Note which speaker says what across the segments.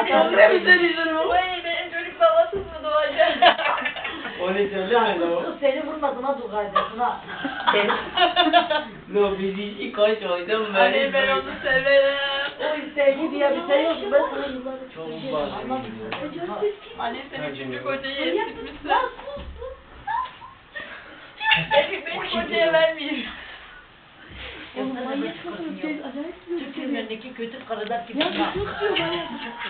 Speaker 1: Ne mi söylüyorsun o?
Speaker 2: Vay benim çocuk babasız mı doğacak?
Speaker 3: Onu söyleme lo.
Speaker 4: Kız seni vurmadın ha dur kardeşim ha.
Speaker 3: Lo biz işi kaç oydum ben.
Speaker 2: Anne ben onu severim.
Speaker 4: O sevgi diye bir şey yok. Ben sana yıllardır
Speaker 3: Çok
Speaker 4: çok şey
Speaker 3: bazı
Speaker 4: anlamıyorum.
Speaker 2: Anne sen üçüncü kocayı esirtmişsin. Efik beni kocaya vermeyeyim.
Speaker 4: Oğlum manyak mısın? Türk filmlerindeki kötü karılar gibi. Ya çok diyor bana.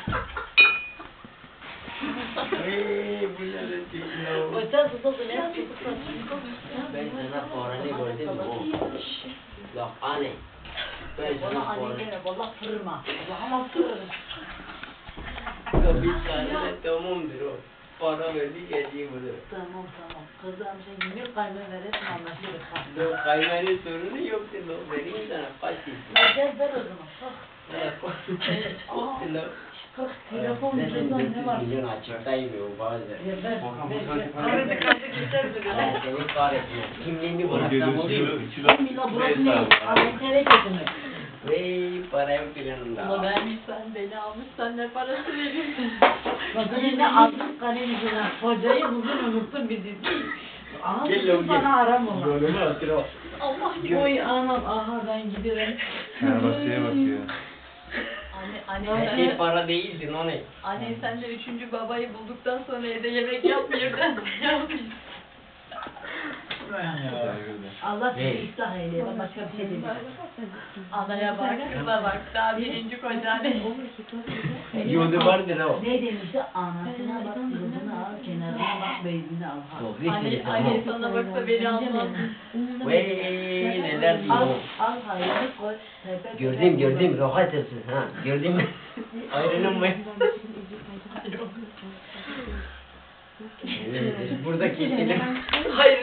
Speaker 3: Bu ne de değil lo.
Speaker 4: Öten susalım ya.
Speaker 3: Ben sana paranı gördüm o. Bak anne. Ben sana
Speaker 4: Bana
Speaker 3: paranı.
Speaker 4: anne deme valla fırma. Allah'ıma fırırım.
Speaker 3: Ya bir tane tamamdır o. Para verdi geldi burada.
Speaker 4: Tamam tamam. Kızım sen yemek kaynağı verirsin anlaşırız.
Speaker 3: Lo kaymanın sorunu yoktu lo. Vereyim sana kaç istiyorsun?
Speaker 4: Ya gel ver o zaman. Kalk.
Speaker 3: Lo.
Speaker 4: Kalk. Telefon cüzdan ne var?
Speaker 3: Milyon açıktayım o bazen.
Speaker 4: Ya ver. Ver.
Speaker 2: Karıda kaldı geçer duruyor.
Speaker 3: Ben seni kahretmiyorum. Kimliğini bıraksam oluyor.
Speaker 4: Mila burası ne? Ankara'ya getirmek.
Speaker 3: Vey para yok yanımda.
Speaker 2: Ama vermişsen beni almışsan ne parası verirsin?
Speaker 4: Bak yine aldık kalemizden. Kocayı bugün unuttun bizi. Aha
Speaker 3: Gel lan,
Speaker 4: bana
Speaker 3: gel.
Speaker 4: aram ola.
Speaker 3: Rolümü hatırla.
Speaker 2: Allah gibi.
Speaker 4: Oy anam aha ben giderim.
Speaker 5: Arabasıya bakıyor.
Speaker 2: Anne
Speaker 3: Her şey para değildi o ne?
Speaker 2: Anne sen de üçüncü babayı bulduktan sonra evde yemek yapmıyordun.
Speaker 4: Allah seni ıslah eyleye. Ben başka bir şey demiyorum.
Speaker 2: Anaya bak, kıza bak. Daha birinci koca ne?
Speaker 3: Yodu vardır o.
Speaker 4: Ne demişti? Anasına bak, kızını al, kenarına bak, beyzini al. Ha.
Speaker 3: Doğru
Speaker 2: Anne,
Speaker 3: işte
Speaker 2: anne
Speaker 3: tamam.
Speaker 2: sana baksa beni almaz.
Speaker 3: Vey neler
Speaker 4: Al,
Speaker 3: diyor.
Speaker 4: al hayırlı koy. tepe
Speaker 3: Gördüm
Speaker 4: tepe
Speaker 3: gördüm rahat etsin ha. Gördün mü? Ayrılın mı? Evet, burada keselim.
Speaker 2: Hayır